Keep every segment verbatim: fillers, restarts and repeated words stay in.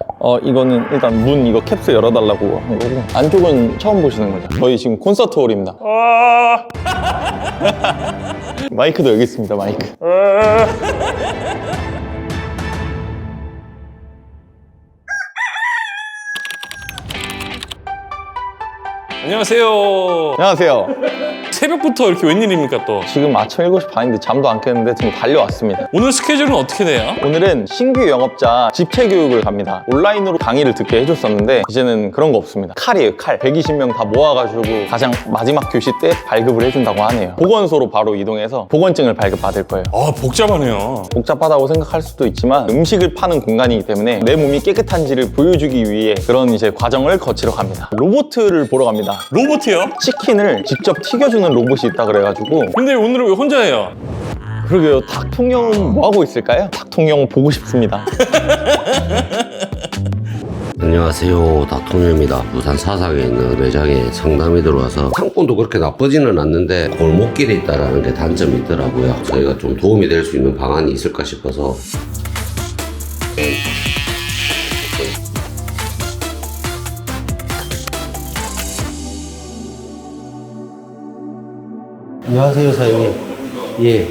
어 이거는 일단 문 이거 캡스 열어달라고 한 거고, 안쪽은 처음 보시는 거죠. 저희 지금 콘서트 홀입니다. 마이크도 여기 있습니다. 마이크. 안녕하세요. 안녕하세요. 새벽부터 이렇게 웬일입니까 또? 지금 아침 일곱 시 반인데 잠도 안 깼는데 지금 달려왔습니다. 오늘 스케줄은 어떻게 돼요? 오늘은 신규 영업자 집체 교육을 갑니다. 온라인으로 강의를 듣게 해줬었는데 이제는 그런 거 없습니다. 칼이에요, 칼. 백이십 명 다 모아가지고 가장 마지막 교시 때 발급을 해준다고 하네요. 보건소로 바로 이동해서 보건증을 발급받을 거예요. 아, 복잡하네요. 복잡하다고 생각할 수도 있지만 음식을 파는 공간이기 때문에 내 몸이 깨끗한지를 보여주기 위해 그런 이제 과정을 거치러 갑니다. 로봇을 보러 갑니다. 로봇이요? 치킨을 직접 튀겨주는 로봇이 있다 그래가지고. 근데 오늘은 왜 혼자예요? 그러게요. 닭통령은 뭐 하고 있을까요? 닭통령 보고 싶습니다. 안녕하세요, 닥통령입니다. 부산 사상에 있는 매장에 상담이 들어와서 상권도 그렇게 나쁘지는 않는데 골목길에 있다는 게 단점이 있더라고요. 저희가 좀 도움이 될 수 있는 방안이 있을까 싶어서. 안녕하세요, 사장님. 예.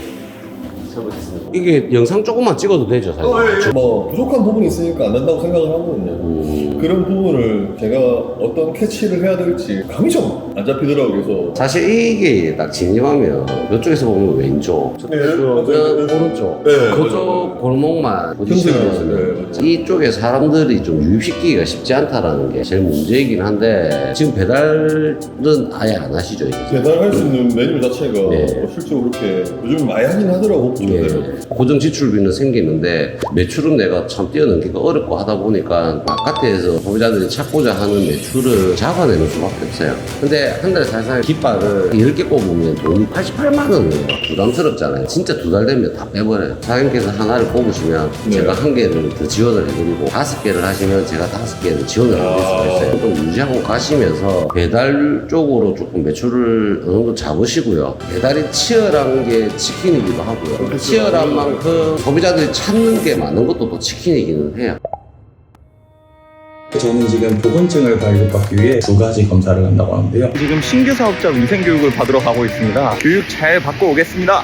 이게 영상 조금만 찍어도 되죠, 사장님? 어, 예, 예. 뭐 부족한 부분이 있으니까 안 된다고 생각을 하거든요. 음. 그런 부분을 제가 어떤 캐치를 해야 될지 감이 좀 안 잡히더라고요. 그래서 사실 이게 딱 진입하면 이쪽에서 보면 왼쪽, 네, 저쪽은 맞아요. 오른쪽, 네, 그쪽 맞아요. 골목만 형성이 포지션이거든요. 있어요. 네, 맞아요. 이쪽에 사람들이 좀 유입시키기가 쉽지 않다라는 게 제일 문제이긴 한데 지금 배달은 아예 안 하시죠? 이제? 배달할 수 있는 메뉴 자체가 네. 뭐 실제로 그렇게 요즘 많이 하긴 하더라고. 예, 네. 고정 지출비는 생기는데 매출은 내가 참 뛰어넘기가 어렵고 하다 보니까 바깥에서 소비자들이 찾고자 하는 매출을 잡아내는 수밖에 없어요. 근데 한 달에 사실 깃발을 열 개 꼽으면 돈이 팔십팔만 원이에요. 부담스럽잖아요. 진짜 두 달 되면 다 빼버려요. 사장님께서 하나를 꼽으시면 네. 제가 한 개를 더 지원을 해드리고 다섯 개를 하시면 제가 다섯 개를 지원을 해드릴 수가 있어요. 좀 유지하고 가시면서 배달 쪽으로 조금 매출을 어느 정도 잡으시고요. 배달이 치열한 게 치킨이기도 하고요. 치열한 만큼 소비자들이 찾는 게 많은 것도 또 치킨이기는 해요. 저는 지금 보건증을 발급받기 위해 두 가지 검사를 한다고 하는데요. 지금 신규 사업자 위생교육을 받으러 가고 있습니다. 교육 잘 받고 오겠습니다.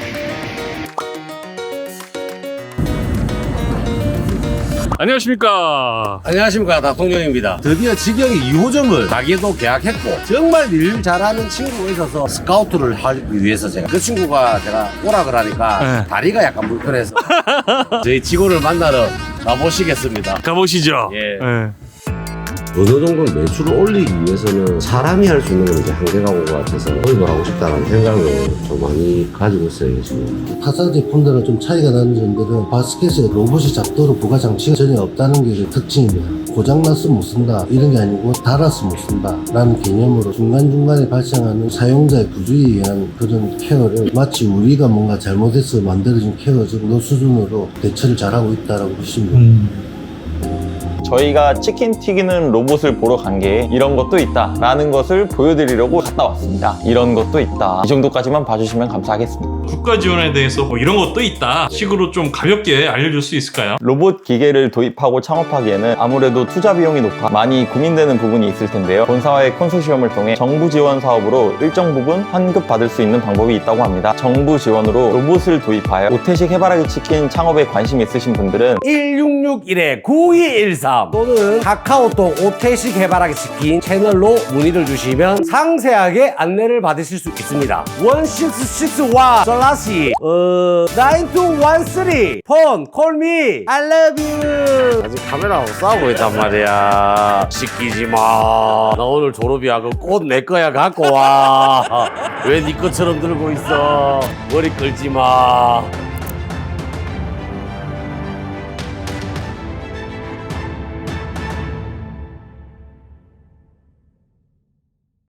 안녕하십니까. 안녕하십니까, 닥통령입니다. 드디어 직영이 이 호점을 가게도 계약했고 정말 일 잘하는 친구가 있어서 스카우트를 하기 위해서 제가 그 친구가 제가 오락을 하니까 네. 다리가 약간 불편해서 저희 직원을 만나러 가보시겠습니다. 가보시죠. 예. 네. 어느 정도 매출을 올리기 위해서는 사람이 할 수 있는 건 이제 한계가 온 것 같아서 도입을 하고 싶다는 생각을 좀 많이 가지고 있어요, 지금. 타사 제품들은 좀 차이가 나는 점들은 바스켓에 로봇이 잡도록 부가 장치가 전혀 없다는 게 특징입니다. 고장나서 못 쓴다 이런 게 아니고 달아서 못 쓴다 라는 개념으로 중간중간에 발생하는 사용자의 부주의에 의한 그런 케어를 마치 우리가 뭔가 잘못해서 만들어진 케어 정도 수준으로 대처를 잘하고 있다고 보시면 됩니다. 저희가 치킨 튀기는 로봇을 보러 간 게 이런 것도 있다 라는 것을 보여드리려고 갔다 왔습니다. 이런 것도 있다, 이 정도까지만 봐주시면 감사하겠습니다. 국가 지원에 대해서 뭐 이런 것도 있다 식으로 좀 가볍게 알려줄 수 있을까요? 로봇 기계를 도입하고 창업하기에는 아무래도 투자 비용이 높아 많이 고민되는 부분이 있을 텐데요. 본사와의 컨소시엄을 통해 정부 지원 사업으로 일정 부분 환급 받을 수 있는 방법이 있다고 합니다. 정부 지원으로 로봇을 도입하여 오태식 해바라기 치킨 창업에 관심 있으신 분들은 일육육일 구이일삼 또는 카카오톡 오태식 해바라기 치킨 채널로 문의를 주시면 상세하게 안내를 받으실 수 있습니다. 일육육일 슬래시 어 나인투일삼 폰 콜미 I love you. 아직 카메라하고 싸우고 있단 말이야. 시키지 마. 나 오늘 졸업이야. 그 꽃 내 거야 갖고 와. 왜 네 것처럼 들고 있어? 머리 끌지 마.